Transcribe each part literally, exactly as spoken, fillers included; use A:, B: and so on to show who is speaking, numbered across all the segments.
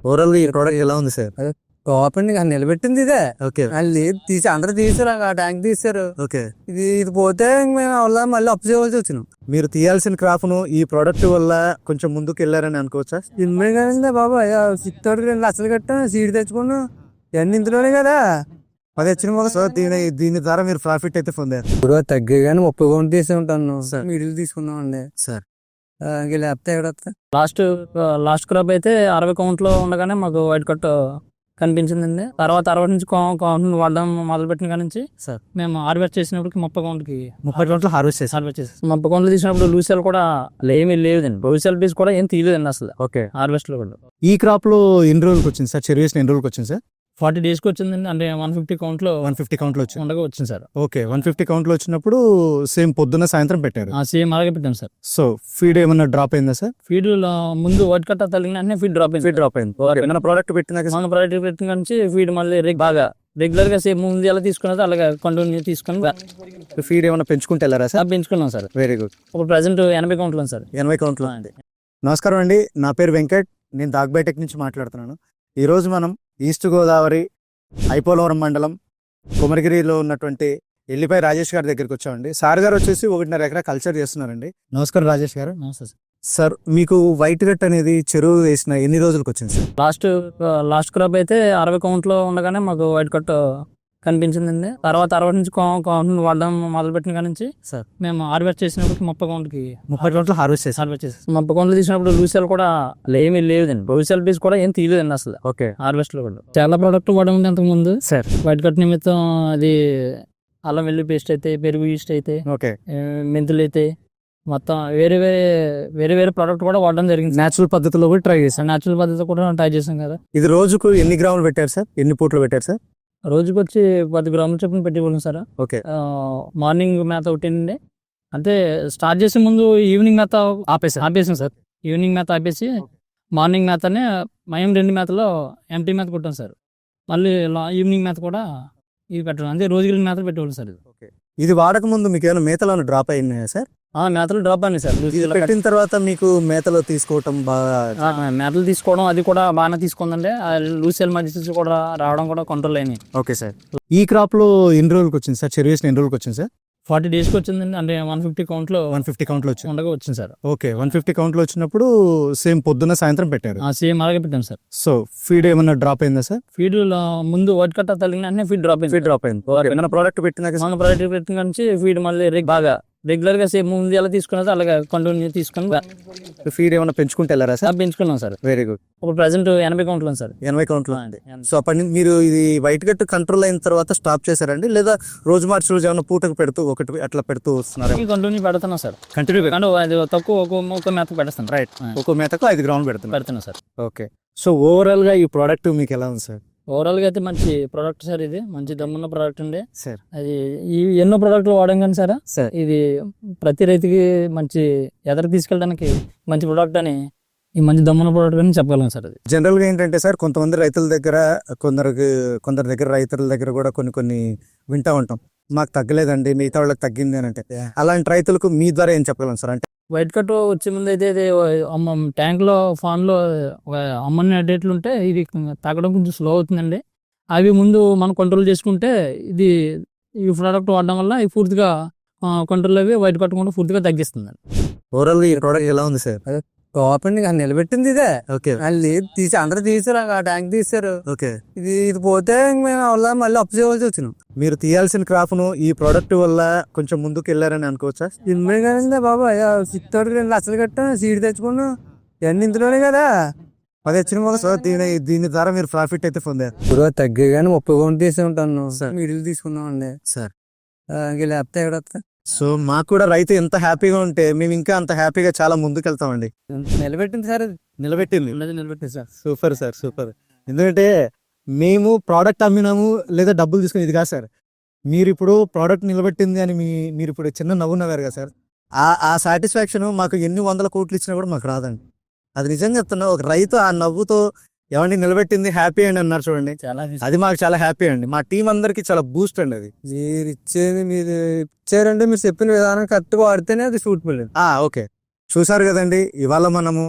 A: Overall గా ఈ product ఎలా ఉంది సార్?
B: ఓపెన్ గా నిలబెట్టింది ఇదే.
A: ఓకే
B: అది లేదు తీసి అందరూ తీసారు, ఆ ట్యాంక్ తీసారు.
A: ఓకే
B: ఇది ఇది పోతే ఇంక మేము అవ్వలా మళ్ళీ అప్పు చేయవలసి వచ్చినాం.
A: మీరు తీయాల్సిన క్రాప్ ను ఈ ప్రోడక్ట్ వల్ల కొంచెం ముందుకు వెళ్ళారని అనుకోవచ్చా?
B: ఇన్మే కదండి బాబా, సిక్స్ తోటి రెండు లక్షలు కట్టాను, సీడ్ తెచ్చుకున్నాను, ఇవన్నీ ఇంతలోనే కదా.
A: అది వచ్చిన వల్ల సో దీని దీని ద్వారా మీరు ప్రాఫిట్ అయితే పొందారు
B: ఇప్పుడు తగ్గగానే ముప్పై కౌంట్ తీసి ఉంటాను
A: సార్.
B: మిడిల్ తీసుకున్నాం అండి
A: సార్.
B: ఇంక లేకపోతే ఎక్కడ వస్తా.
C: లాస్ట్ లాస్ట్ క్రాప్ అయితే అరవై కౌంట్ లో ఉండగానే మాకు వైట్ కట్ కనిపించిందండి. తర్వాత అరవై నుంచి కౌంట్ వాడడం మొదలు పెట్టిన కాడ నుంచి
A: సార్
C: మేము హార్వెస్ట్ చేసినప్పుడు ముప్పై కౌంట్ కి
A: ముప్పై గంటలు హార్వెస్ట్ చేశారు.
C: హార్వెస్ట్ చేసి ముప్పై కౌంట్లు తీసినప్పుడు లూసెల్ కూడా ఏమీ లేదండి. లూసెల్ పీస్ కూడా ఏం తీయలేదండి అసలు
A: ఓకే
C: హార్వెస్ట్ లో కూడా.
A: ఈ క్రాప్ లో ఎన్ని రోజులకు వచ్చింది సార్? చెరువు వేసిన ఎన్ని రోజులకు వచ్చింది సార్?
C: ఫార్టీ డేస్ కి వచ్చిందండి. అంటే వన్ ఫిఫ్టీ కౌంట్ లో
A: వన్ ఫిఫ్టీ కౌంట్ లో వచ్చింది.
C: ఉండగా వచ్చింది sir.
A: Okay one fifty count లో వచ్చినప్పుడు సేమ్ పొద్దున్న సాయంత్రం పెట్టారు.
C: సేమ్ అలాగే పెట్టాం సార్.
A: సో ఫీడ్ ఏమన్నా డ్రాప్ అయిందా సార్?
C: ఫీడ్ ముందు వైట్ కట్ తగిలిన వెంటనే ఫీడ్ డ్రాప్ అయింది.
A: ఫీడ్ డ్రాప్ అయింది. ఏమైనా ప్రోడక్ట్ పెట్టినాక
C: మన ప్రోడక్ట్ పెట్టిన కాడ నుంచి ఫీడ్ మళ్ళీ రెగ్ బాగా రెగ్యులర్ గా సేమ్ ముందు ఎలా తీసుకున్నదో అలాగే కంటిన్యూ తీసుకొని
A: ఫీడ్ ఏమైనా పెంచుకుంటే వెళ్ళారా సార్?
C: పెంచుకున్నాం సార్.
A: Very good.
C: ఇప్పుడు ప్రజెంట్ ఎనభై కౌంట్లో సార్.
A: ఎనభై కౌంట్ లో అండి. నమస్కారం అండి, నా పేరు వెంకట్, నేను దాగ్బైటెక్ నుంచి మాట్లాడుతున్నాను. ఈరోజు మనం ఈస్ట్ గోదావరి ఐపోలవరం మండలం కుమరగిరిలో ఉన్నటువంటి ఎల్లిపై రాజేష్ గారి దగ్గరికి వచ్చామండి. సార్ గారు వచ్చేసి ఒకటిన్నర ఎకరా కల్చర్ చేస్తున్నారండి. నమస్కారం రాజేష్ గారు.
C: నమస్తే సార్.
A: సార్ మీకు వైట్ గట్ అనేది చెరువు వేసిన ఎన్ని రోజులకు వచ్చింది సార్?
C: లాస్ట్ లాస్ట్ క్రాప్ అయితే అరవై కౌంట్ లో ఉండగానే మాకు వైట్ కట్ కనిపించిందండి. తర్వాత అరవై నుంచి కౌంట్ వాడడం మొదలు పెట్టిన కాడ నుంచి
A: సార్
C: మేము హార్వెస్ట్ చేసినప్పుడు ముప్పై కౌంట్ కి
A: ముప్పై గంటలు హార్వెస్ట్ చేశారు.
C: హార్వెస్ట్ చేసి ముప్పై కౌంట్లు తీసినప్పుడు లూసెల్ కూడా ఏమీ లేదండి. లూసెల్ పీస్ కూడా ఏం తీయలేదండి అసలు
A: ఓకే
C: హార్వెస్ట్ లో కూడా. చాలా ప్రోడక్ట్ వాడడం అంతకు ముందు
A: సార్.
C: వైట్ కట్ నిమిత్తం అది అల్లం వెల్లుల్లి పేస్ట్ అయితే, పెరుగు ఈస్ట్ అయితే,
A: ఓకే
C: మెంతులు అయితే మొత్తం వేరే వేరే వేరే వేరే ప్రోడక్ట్ కూడా వాడడం జరిగింది.
A: నేచురల్ పద్ధతిలో కూడా ట్రై చేశారు.
C: నేచురల్ పద్ధతి కూడా ట్రై చేసాం కదా.
A: ఇది రోజుకు ఎన్ని గ్రాములు పెట్టారు సార్? ఎన్ని పూటలు పెట్టారు సార్?
C: రోజుకి వచ్చి పది గ్రాముల చొప్పున పెట్టివ్వలేం సార్.
A: ఓకే
C: మార్నింగ్ మేత ఒకటండి, అంటే స్టార్ట్ చేసే ముందు ఈవినింగ్ మేత
A: ఆపేసి
C: ఆపేసాం సార్. ఈవినింగ్ మేత ఆపేసి మార్నింగ్ మేతనే మేము రెండు మేతలో ఎంటీ మేత కొట్టాం సార్. మళ్ళీ ఈవినింగ్ మేత కూడా ఇది పెట్టడం, అంటే రోజుకి మేతలు పెట్టేవాళ్ళం సార్. ఇది
A: ఓకే. ఇది వాడక ముందు మీకు ఏమైనా మేతలో డ్రాప్ అయినాయా సార్?
C: మేతలు డ్రాప్ అయినాయి సార్.
A: పెట్టిన తర్వాత మీకు మేతలో తీసుకోవటం బాగా
C: మేతలు తీసుకోవడం అది కూడా బాగానే తీసుకుందండి. లూసెల్ మధ్య కూడా రావడం కూడా కంట్రోల్ అయినాయి.
A: Okay sir. ఈ క్రాప్ లో ఎన్ని రోజులకు వచ్చింది సార్? చెరువు వేసిన ఎన్ని రోజులకు వచ్చింది సార్?
C: ఫార్టీ డేస్ కి వచ్చిందండి. అంటే వన్ ఫిఫ్టీ కౌంట్ లో
A: వన్ ఫిఫ్టీ కౌంట్ లో వచ్చింది.
C: ఉండగా వచ్చింది sir.
A: Okay one fifty count లో వచ్చినప్పుడు సేమ్ పొద్దున్న సాయంత్రం పెట్టారు.
C: సేమ్ అలాగే పెట్టాం సార్.
A: సో ఫీడ్ ఏమన్నా డ్రాప్ అయిందా సార్?
C: ఫీడ్ ముందు వైట్ కట్ తగిలిన వెంటనే ఫీడ్ డ్రాప్ అయింది.
A: ఫీడ్ డ్రాప్ అయింది. ఏమైనా ప్రోడక్ట్ పెట్టినాక
C: మన ప్రోడక్ట్ పెట్టిన కాడ నుంచి ఫీడ్ మళ్ళీ రెగ్ బాగా రెగ్యులర్ గా సేమ్ ముందు ఎలా తీసుకున్నదో అలాగే కంటిన్యూ తీసుకొని
A: ఫీడ్ ఏమైనా పెంచుకుంటే వెళ్ళారా సార్?
C: పెంచుకున్నాం సార్.
A: Very good.
C: ఇప్పుడు ప్రజెంట్ ఎనభై కౌంట్లో సార్.
A: ఎనభై కౌంట్ లో అండి. సో అప్పటి నుంచి మీరు ఇది వైట్ గట్ కంట్రోల్ అయిన తర్వాత స్టాప్ చేశారండి, లేదా రోజు మార్చి రోజు ఏమైనా పూటకు పెడుతూ ఒకటి అట్లా పెడుతూ వస్తున్నారు?
C: కంటిన్యూ పెడుతున్నాం సార్.
A: కంటిన్యూ
C: అంటే అది తక్కువ ఒక ఒక మేత పెడతాను.
A: రైట్. ఒక్కో మేతకు ఐదు గ్రాములు పెడుతున్నారు.
C: పెడుతున్నా సార్.
A: ఓకే. సో ఓవరాల్ గా ఈ ప్రోడక్ట్ మీకు ఎలా ఉంది సార్?
C: ఓవరాల్ గా అయితే మంచి ప్రోడక్ట్ సార్. ఇది మంచి దమ్మున్న ప్రోడక్ట్ అండి
A: సార్.
C: అది ఈ ఎన్నో ప్రోడక్ట్లు వాడడం కానీ సార్
A: సార్
C: ఇది ప్రతి రైతుకి మంచి ఎదరికి తీసుకెళ్ళడానికి మంచి ప్రోడక్ట్ అని, ఈ మంచి దమ్మున్న ప్రోడక్ట్ అని చెప్పగలం సార్. అది
A: జనరల్ గా ఏంటంటే సార్, కొంతమంది రైతుల దగ్గర కొందరికి కొందరి దగ్గర రైతుల దగ్గర కూడా కొన్ని కొన్ని వింటా ఉంటాం, మాకు తగ్గలేదండి మిగతా వాళ్ళకి తగ్గింది అని. అంటే అలాంటి రైతులకు మీ ద్వారా ఏం చెప్పగలం సార్? అంటే
C: వైట్ కట్ వచ్చే ముందు అయితే ఇది అమ్మ ట్యాంక్ లో ఫాన్ లో అమ్మని డేట్లు ఉంటే ఇది తగ్గడం కొంచెం స్లో అవుతుందండి. అవి ముందు మనం కంట్రోల్ చేసుకుంటే ఇది ఈ ప్రోడక్ట్ వాడడం వల్ల ఈ పూర్తిగా కంట్రోల్ అవి వైట్ కట్ కూడా పూర్తిగా తగ్గిస్తుంది.
A: ఓవరాల్ గా ఈ ప్రోడక్ట్ ఎలా ఉంది సార్?
B: ఓపెన్ గా నిలబెట్టింది ఇదే.
A: ఓకే
B: అది లేదు తీసి అందరూ తీసారు, ఆ ట్యాంక్ తీసారు.
A: ఓకే.
B: ఇది ఇది పోతే ఇంక మేము అవ్వలా మళ్ళీ అప్పు చేయవలసి వచ్చినాం.
A: మీరు తీయాల్సిన క్రాప్ ను ఈ ప్రోడక్ట్ వల్ల కొంచెం ముందుకు వెళ్ళారని అనుకోవచ్చా?
B: ఇన్మే కదండి బాబా, సిక్స్ తోటి రెండు లక్షలు కట్టాను, సీడ్ తెచ్చుకున్నాను, ఇవన్నీ ఇంతలోనే కదా.
A: అది వచ్చిన వల్ల సో దీని దీని ద్వారా మీరు ప్రాఫిట్ అయితే పొందారు.
B: ఇప్పుడు తగ్గగానే ముప్పై కౌంట్ తీసి ఉంటాను మిడిల్ తీసుకున్నాం అండి
A: సార్.
B: ఇంక లేకపోతే ఎక్కడ వస్తా.
A: సో మాకు కూడా రైతు ఎంత హ్యాపీగా ఉంటే మేము ఇంకా అంత హ్యాపీగా చాలా ముందుకు వెళ్తామండి.
B: నిలబెట్టింది సార్. అది
A: నిలబెట్టింది.
B: నిలబెట్టింది సార్.
A: Super sir, super. ఎందుకంటే మేము ప్రోడక్ట్ అమ్మినాము లేదా డబ్బులు తీసుకుని ఇది కాదు సార్, మీరు ఇప్పుడు ప్రోడక్ట్ నిలబెట్టింది అని మీ మీరు ఇప్పుడు చిన్న నవ్వు నవ్వారు కదా సార్, ఆ ఆ సాటిస్ఫాక్షన్ మాకు ఎన్ని వందల కోట్లు ఇచ్చినా కూడా మాకు రాదండి. అది నిజంగా చెప్తున్నా, ఒక రైతు ఆ నవ్వుతో ఎవరిని నిలబెట్టింది హ్యాపీ అండి అన్నారు చూడండి,
C: చాలా
A: అది మాకు చాలా హ్యాపీ అండి. మా టీం అందరికి చాలా బూస్ట్ అండి. అది
B: మీరు ఇచ్చేది మీరు ఇచ్చారంటే మీరు చెప్పిన విధానం కరెక్ట్గా వాడితేనే అది సూటబుల్.
A: ఓకే. చూసారు కదండి, ఇవాళ మనము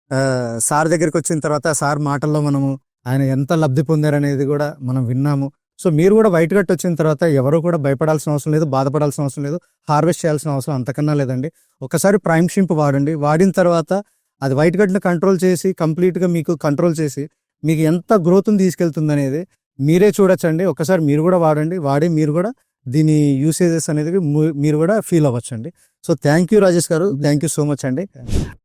A: ఆ, సార్ దగ్గరికి వచ్చిన తర్వాత సార్ మాటల్లో మనము ఆయన ఎంత లబ్ధి పొందారనేది కూడా మనం విన్నాము. సో మీరు కూడా వైట్ గట్ వచ్చిన తర్వాత ఎవరు కూడా భయపడాల్సిన అవసరం లేదు, బాధపడాల్సిన అవసరం లేదు, హార్వెస్ట్ చేయాల్సిన అవసరం అంతకన్నా లేదండి. ఒకసారి ప్రైమ్ షింప్ వాడండి. వాడిన తర్వాత అది వైట్ గట్ని కంట్రోల్ చేసి కంప్లీట్గా మీకు కంట్రోల్ చేసి మీకు ఎంత గ్రోత్ని తీసుకెళ్తుంది అనేది మీరే చూడొచ్చండి. ఒకసారి మీరు కూడా వాడండి. వాడి మీరు కూడా దీని యూసేజెస్ అనేది మీ- మీరు కూడా ఫీల్ అవ్వచ్చండి. So thank you Rajesh garu, thank you so much అండి.